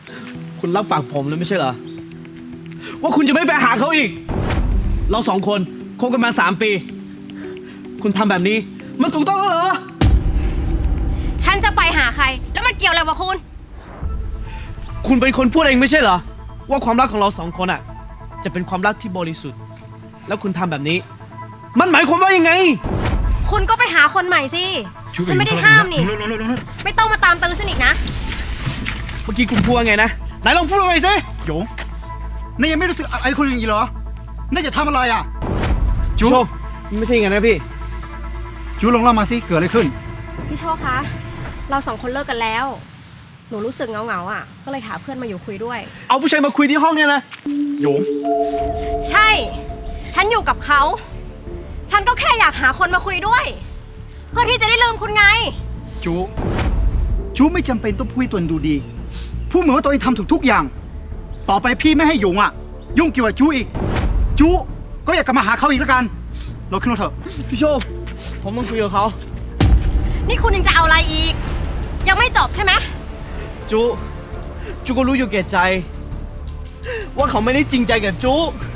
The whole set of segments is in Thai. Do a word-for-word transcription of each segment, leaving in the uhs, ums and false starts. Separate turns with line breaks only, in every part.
คุณรับปากผมแล้วไม่ใช่เหรอว่าคุณจะไม่ไปหาเขาอีกเราสองคนคบกันมาสามปี คุณทำแบบนี้มันถูกต้องแล้วเหรอ
ฉันจะไปหาใครแล้วมันเกี่ยวอะไรกับคุณ
คุณเป็นคนพูดเองไม่ใช่เหรอว่าความรักของเราสองคนอ่ะจะเป็นความรักที่บริสุทธิ์แล้วคุณทำแบบนี้มันหมายความว่ายังไง
คุณก็ไปหาคนใหม่สิฉันไม่ได้ห้ามนี่ไม่ต้องมาตามตื้อฉันอีกนะ
เมื่อกี้คุณพูดว่าไงนะไหนลองพูดมาหน่อยสิ
หยงนายยังไม่รู้สึกอะไรคนอื่นอีกเหรอ นายจะทำอะไรอ่ะ
จูไม่ใช่อย่างนั้นนะพี่
จูลองเล่ามาสิเกิดอะไรขึ้น
พี่โชคคะเราสองคนเลิกกันแล้วหนูรู้สึกเงาๆอ่ะก็เลยหาเพื่อนมาอยู่คุยด้วย
เอาผู้ชายมาคุยที่ห้องเนี่ยนะ
หยง
ใช่ฉันอยู่กับเขาฉันก็แค่อยากหาคนมาคุยด้วยเพื่อที่จะได้ลืมคุณไง
จูจูไม่จำเป็นต้องพูดตัวเองดูดีพูดเหมือนว่าตัวเองทำถูกทุกอย่างต่อไปพี่ไม่ให้หยงอ่ะยุ่งเกี่ยวกับจูอีกจูก็อยากกลับมาหาเขาอีกแล้วกันเราขึ้นรถเถอะ
พี่โชคผมต้องคุยกับเขา
นี่คุณยังจะเอาอะไรอีกยังไม่จบใช่ไหม
จูจูก็รู้อยู่แก่ใจว่าเขาไม่ได้จริงใจกับจู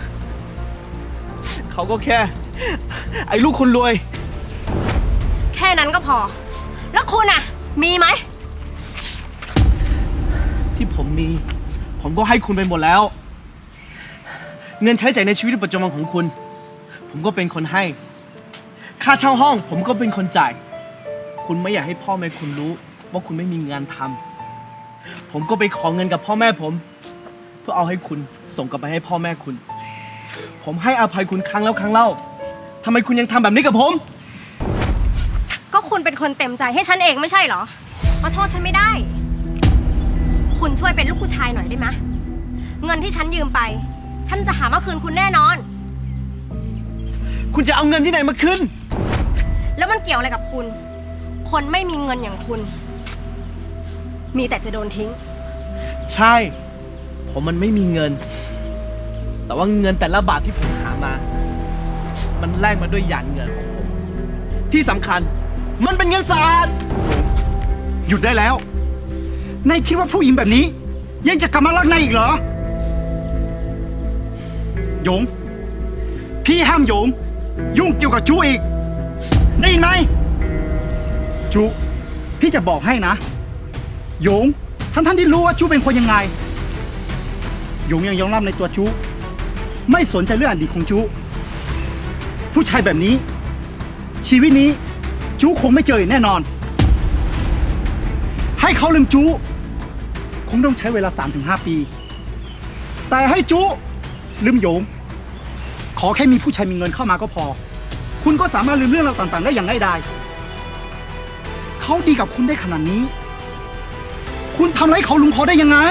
เขาก็แค่ไอ้ลูกคนรวย
แค่นั้นก็พอแล้วคุณอะมีไหม
ที่ผมมีผมก็ให้คุณไปหมดแล้วเงินใช้จ่ายในชีวิตประจำวันของคุณผมก็เป็นคนให้ค่าเช่าห้องผมก็เป็นคนจ่ายคุณไม่อยากให้พ่อแม่คุณรู้ว่าคุณไม่มีงานทำผมก็ไปขอเงินกับพ่อแม่ผมเพื่อเอาให้คุณส่งกลับไปให้พ่อแม่คุณผมให้อภัยคุณครั้งแล้วครั้งเล่าทำไมคุณยังทำแบบนี้กับผม
ก็คุณเป็นคนเต็มใจให้ฉันเองไม่ใช่เหรอมาโทษฉันไม่ได้คุณช่วยเป็นลูกผู้ชายหน่อยได้ไหมเงินที่ฉันยืมไปฉันจะหามาคืนคุณแน่นอน
คุณจะเอาเงินที่ไหนมาคืน
แล้วมันเกี่ยวอะไรกับคุณคนไม่มีเงินอย่างคุณมีแต่จะโดนทิ้ง
ใช่ผมมันไม่มีเงินแต่ว่าเงินแต่ละบาทที่ผมหามามันแลกมาด้วยหยาดเหงื่อของผมที่สำคัญมันเป็นเงินสะอาด
หยุดได้แล้วนายคิดว่าผู้หญิงแบบนี้ยังจะกลับมารักนายอีกเหรอหยงพี่ห้ามหยงยุ่งเกี่ยวกับจูอีกได้ยินไหมจูพี่จะบอกให้นะหยงทั้งท่านที่รู้ว่าจูเป็นคนยังไงหยงยังยอมรับในตัวจูไม่สนใจเรื่องอดีตของจูผู้ชายแบบนี้ชีวิตนี้จูคงไม่เจอแน่นอนให้เขาลืมจูคงต้องใช้เวลา สามถึงห้า ปีแต่ให้จูลืมหยงขอแค่มีผู้ชายมีเงินเข้ามาก็พอคุณก็สามารถลืมเรื่องราวต่างๆได้อย่างง่ายดายเขาดีกับคุณได้ขนาดนี้คุณทำอะไรเขาลุงเขาได้ยังไง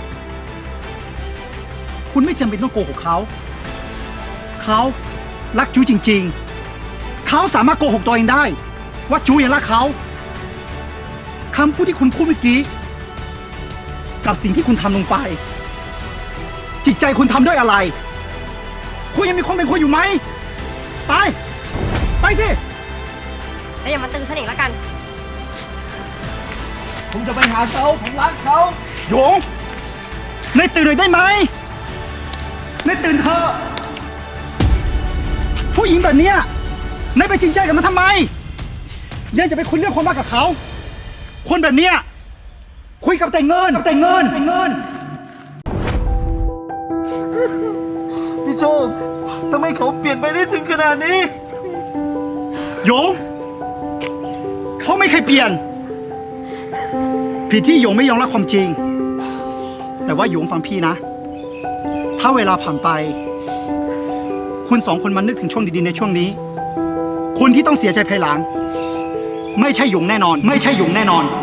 คุณไม่จำเป็นต้องโกหกเขาเขารักจูจริงๆเขาสามารถโกหกตัวเองได้ว่าจูยังรักเขาคำพูดที่คุณพูดเมื่อกี้กับสิ่งที่คุณทำลงไปจิตใจคุณทำด้วยอะไรคุณยังมีความเป็นคนอยู่ไหมไปไปสิ
แล้วอย่ามาตึงฉันอีกแล้วกัน
ผมจะไปหาเขาผมรักเขา
หยงนายตื่นเลยได้ไหมนายตื่นเถอะผู้หญิงแบบนี้นายไปจริงใจกับมันทำไมยังจะไปคุยเรื่องความรักกับเขาคนแบบนี้คุยกับแต่เงินกับแต่เงินแต่เงิน
พี่โชคทำไมเขาเปลี่ยนไปได้ถึงขนาดนี้
หยงเขาไม่เคยเปลี่ยนผิดที่หยงไม่ยอมรับความจริงแต่ว่าหยงฟังพี่นะถ้าเวลาผ่านไปคุณสองคนมันนึกถึงช่วงดีๆในช่วงนี้คนที่ต้องเสียใจภายหลังไม่ใช่หยงแน่นอนไม่ใช่หยงแน่นอน